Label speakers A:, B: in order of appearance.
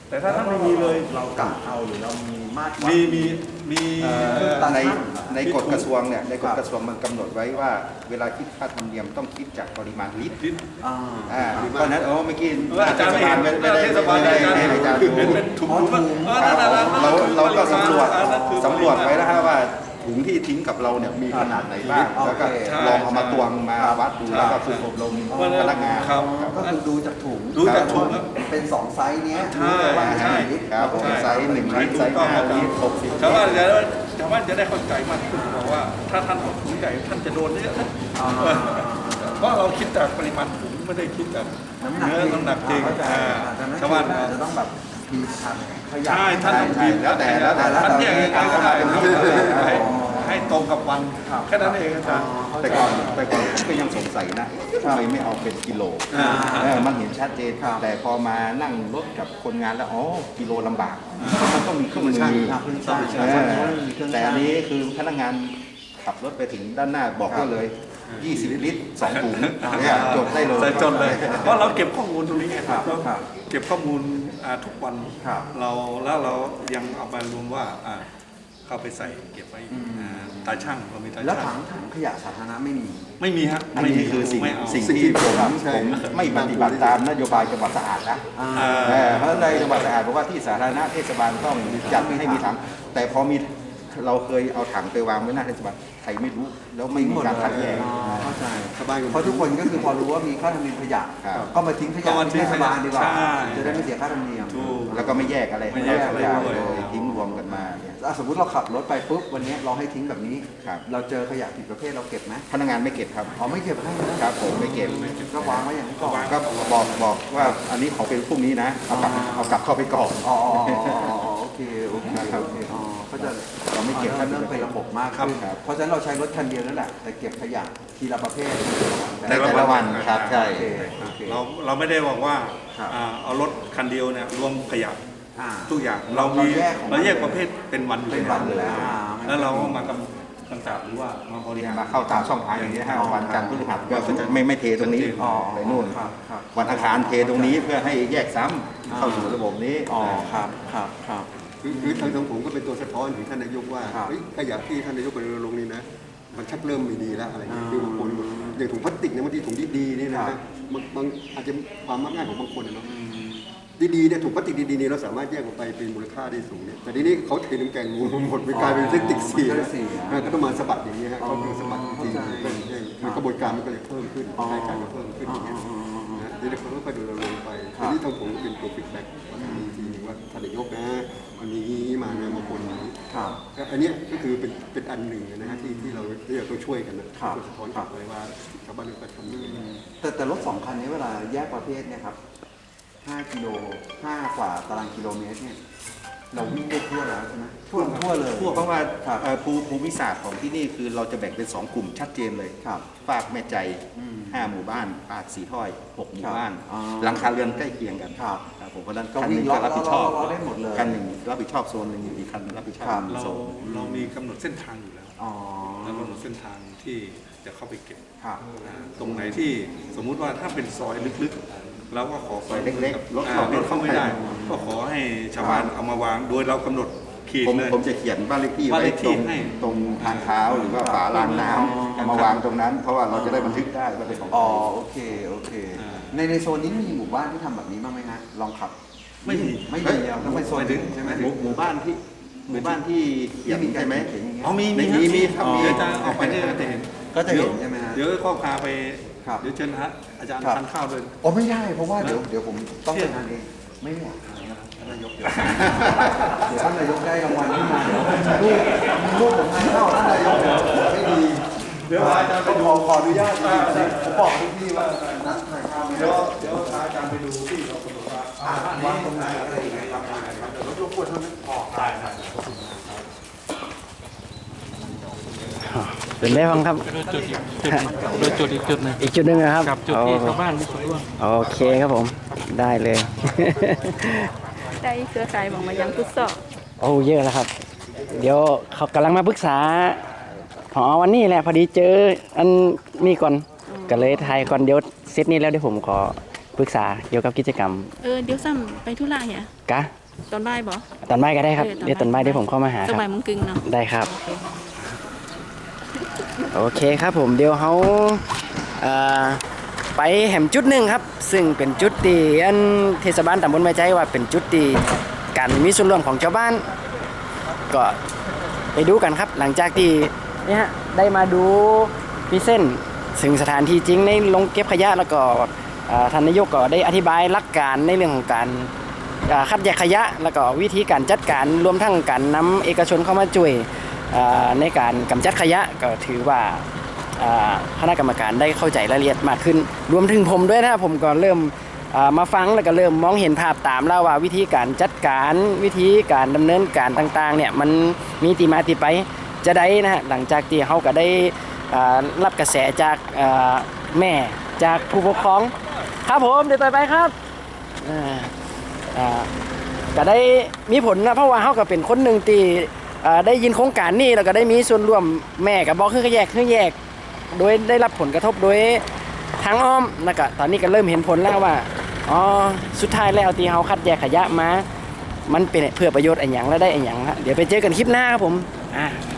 A: แต่ถ้าท่านไม่มีเลยเรา
B: กะเอาหรือเรามีมาตรวัด
A: มี
C: ในในกฎกระทรวงเนี่ยในกฎกระทรวงมันกำหนดไว้ว่าเวลาคิดค่าธรรมเนียมต้องคิดจากปริมาณลิตรเพราะนั้นเมื่อกี้
A: อาจารย์ไม่เห็น
C: ไม่ได้อาจารย์
A: เป็นถุง
C: เราก็สำรวจไว้แล้วว่าถุงที่ทิ้งกับเราเนี่ยมีขนาดไหนบ้างแล้วก็ลองเอามาตวงมาวัดดูแล้วก็ฝึกอบรมพนักงาน
B: ก็คือดูจากถุงเป็น2ไซส์เนี้ย
C: ใช่ครับไซส์1 ลิตรไซส์5 ลิตร60
A: ชาวบ้านจะได้เข้าใจมากขึ้นบอกว่าถ้าท่านเอาถุงใหญ่ท่านจะโดนเยอะนะเพราะเราคิดจากปริมาณถุงไม่ได้คิดจากน้ำหนักจริงชาวบ้าน
B: จะต้องแบบมีทัน
A: ใช่ท่านต้องพิมพ์
C: แล้วแต่
A: ท่านแยกกันก็ได้ให้ตรงกับวันแค่นั้นเองอาจารย์
C: แต่ก่อนผมก็ยังสงสัยนะทำไมไม่เอาเป็นกิโลมันเห็นชัดเจนแต่พอมานั่งรถกับคนงานแล้วอ๋อกิโลลำบากมันต้องมีเครื่องมือแต่อันนี้คือพนักงานขับรถไปถึงด้านหน้าบอกก็เลย20 ลิตร2 ถุงจดได้เลย
A: จดเลยเพราะเราเก็บข้อมูลตรงนี้ไงเก็บข้อมูลทุกวันเรายังเอาไปรวมว่าเข้าไปใส่เก็บไว้ตาช่างเรามีตาช่าง
B: แล้วถังขยะสาธารณะไม่มี
A: ฮะ
C: อันนี้คือสิ่งที่ผมไม่ปฏิบัติตามนโยบายจังหวัดสะอาดนะเพราะในจังหวัดสะอาดบอกว่าที่สาธารณะเทศบาลต้องจัดให้มีถังแต่พอมีเราเคยเอาถังไปวางไว้หน้าเทศบาลใครไม่รู้แล้วไม่มีการคัดแยก
B: เข้าใจเพราะทุกคนก็คือพอรู้ว่ามีค่าธรรมเนียมขยะก็มาทิ้งขยะที่เทศบาลดีกว่าจะได้ไม่เสียค่าธรรมเนียม
C: แล้วก็ไม่แยกอะไร
A: ไม่แยกอะไรเลย
C: ทิ้งรวมกันมา
B: สมมติเราขับรถไปปุ๊บวันนี้เราให้ทิ้งแบบนี้เราเจอขยะผิดประเภทเราเก็บไหม
C: พนักงานไม่เก็บครับ
B: ไม่เก็บให้
C: ครับผมไม่เก็บ
B: ก็วางไว้อย่างนี้ก่อน
C: ก็บอกว่าอันนี้ของเป็นพรุ่งนี้นะเอากลับเข้าไปก่อน
B: โอเคก็จะเราไม่เก็บเริ่มเป็นระบบมากขึ้นเพราะฉะนั้นเราใช้รถคันเดียวนั่นแหละแต่เก็บขยะทีละประเภท
C: แต่ละวันครับใช่
A: เราไม่ได้บอกว่าเอารถคันเดียวเนี่ยรวมขยะทุกอย่างเราแยกประเภทเป็นวันอยู่แล้วเรามากำกับหรือว่ามาบริหาร
C: มาเข้าตามช่องทางอย่างนี้ให้วันจันทร์พฤหัสก็จะไม่เทตรงนี้ไปนู่นวันอังคารเทตรงนี้เพื่อให้แยกซ้ำเข้าสู่ระบบนี้
B: ครับ
D: คือทางผมก็เป็นตัวสะท้อนถึงท่านนายกว่าขยะที่ท่านนายกไปรณรงค์นี่นะมันชักเริ่มไม่ดีแล้วอะไรอย่างเงี้ยคือบางคนอย่างถุงพลาสติกเนี่ยบางทีถุงดีๆนี่นะบางอาจจะความมักง่ายของบางคนเนาะดีๆเนี่ยถุงพลาสติกดีๆนี่เราสามารถแยกออกไปเป็นมูลค่าได้สูงเนี่ยแต่ทีนี้เขาเทน้ำแกงหมดไปกลายเป็นพลาสติกสีก็ต้องมาสะบัดอย่างเงี้ยฮะเขาคือสะบัดจริงๆกระบวนการมันก็เลยเพิ่มขึ้นรายการก็เพิ่มขึ้นอย่างเงี้ยทีนี้เขาค่อยๆดูเราลงไปทีนี้ทางผมก็เป็นตัวฟีดแบ็กทีนึงว่าท่านนายกนะมันมีมานะบางคนอันนี้ก็คือเป็นอันหนึ่งนะฮะที่เราต้องช่วยกันนะสะท้อนกลับไปว่าชาวบ้านเราทำยังไง
B: แต่รถ2 คันนี้เวลาแยกประเภทเนี่ยครับ5 กิโล 5 กว่าตารางกิโลเมตรเนี่ยเราวิ่งได้ทั่วแล้วใช่ไหมทั่วเลย
C: เพราะว่าภูมิศาสตร์ของที่นี่คือเราจะแบ่งเป็น2 กลุ่มชัดเจนเลยฝากแม่ใจ5 หมู่บ้านปากสีถ้อย6 หมู่บ้านหลังคาเรือนใกล้เคียงกันผมเพราะนั้นคันหนึ่งก็รับผิดชอบคันหนึ่งรับผิดชอบโซนหนึ่งอีกคันรับผิดชอบโซน
A: เรามีกำหนดเส้นทางอยู่แล้วแล้วกำหนดเส้นทางที่จะเข้าไปเก็บตรงไหนที่สมมุติว่าถ้าเป็นซอยลึกๆเราก็ขอซอย
C: เล็กๆ
A: รถเข้าไม่ได้ก็ขอให้ชาวบ้านเอามาวางโดยเรากำหนดขีดเลย
C: ผมจะเขียนบ้านเลขที่ไว้ตรงทางเท้าหรือว่าฝารางน้ำมาวางตรงนั้นเพราะว่าเราจะได้บันทึกได้ว่าเป็นของ
B: โอเคในโซนนี้มีหมู่บ้านที่ทำแบบนี้บ้างไหมฮะลองขับ
A: ไม่มี
B: ต้องไปโซนอื่นใช่ไหม
C: หมู่บ้านที่เขียนใช่ไหม
A: มีจะออกไปเนี่ยจะเห็น
B: ก็จะเห็นใช่ไหมฮะ
A: เดี๋ยวข้อพาไปเดี๋ยวเชิญอาจารย์ทานข้าวเลย
B: ไม่ได้เพราะว่าเดี๋ยวผมต้องไปทานเองไม่ไหวท่านนายกเดี๋ยวท่านนายกได้รางวัลขึ้นมาลูกผมทานข้าวท่านนายกไม่ดี
A: เดี๋ยวอาจารย์ไปดู
B: ขออนุญาตผมบอกทุกที่ว่านัดทานข้าว
A: เดี๋ยวอาจารย์ไปดูที่เราบอกว่าวางตรงไหนอะไรยังไงครับเดี๋ยวรบกวนท่านออกได้
E: เป็นได้ฟังครับ
F: จุดอีกจุดนึง
E: อีกจุดนึงนะครับ
F: จุดที่ชาวบ้านที่สุดร่วง
E: โอเคครับผมได้เลย
G: ได้เครือข่ายบอกมายังพุทธศ
E: เยอะแล้วครับเดี๋ยวเขากำลังมาปรึกษาพอวันนี้แหละพอดีเจออันนี้ก่อนก็เลยถ่ายก่อนเดี๋ยวเซตนี้แล้วเดี๋ยวผมขอปรึกษาเกี่ยวกับกิจกรรม
G: เดี๋ยวซ้ำไปธุระเนี่ย
E: กะ
G: ตอนบ่ายบ่
E: ตอนบ่ายก็ได้ครับเดี๋ยวตอนบ่ายเดี๋ยวผมเข้ามาหา
G: ส
E: ครับ
G: บายมึงกึ่งเนาะ
E: ได้ครับ โอเคครับผมเดี๋ยวเขาไปแห่มจุดหนึ่งครับ ซึ่งเป็นจุดที่อันเทศบาลตำบลไม้ใจว่าเป็นจุดที่การมีส่วนร่วมของชาวบ้าน ก็ไปดูกันครับ หลังจากที่เนี่ยฮะได้มาดูพิเศษซึ่งสถานที่จริงในลงเก็บขยะแล้วก็ท่านนายกก็ได้อธิบายหลักการในเรื่องของการคัดแยกขยะแล้วก็วิธีการจัดการรวมทั้งการนำเอกชนเข้ามาช่วยในการกำจัดขยะก็ถือว่าคณะกรรมการได้เข้าใจรายละเอียดมากขึ้นรวมถึงผมด้วยนะผมก็เริ่มมาฟังแล้วก็เริ่มมองเห็นภาพตามแล้วว่าวิธีการจัดการวิธีการดำเนินการต่างๆเนี่ยมันมีที่มาที่ไปจะได้นะฮะหลังจากที่เขาก็ได้รับกระแสจากแม่จากผู้ปกครองครับผมเดี๋ยวต่อไปครับก็ได้มีผลนะเพราะว่าเขาก็เป็นคนหนึ่งที่ได้ยินโครงการนี้แล้วก็ได้มีส่วนร่วมแม่กับบอกคือแยกโดยได้รับผลกระทบโดยทางอ้อมแล้วก็ตอนนี้ก็เริ่มเห็นผลแล้วว่าอ๋อสุดท้ายแล้วที่เขาคัดแยกขยะมามันเป็นเพื่อประโยชน์อะไรอย่างและได้อะไรอย่างเดี๋ยวไปเจอกันคลิปหน้าครับผม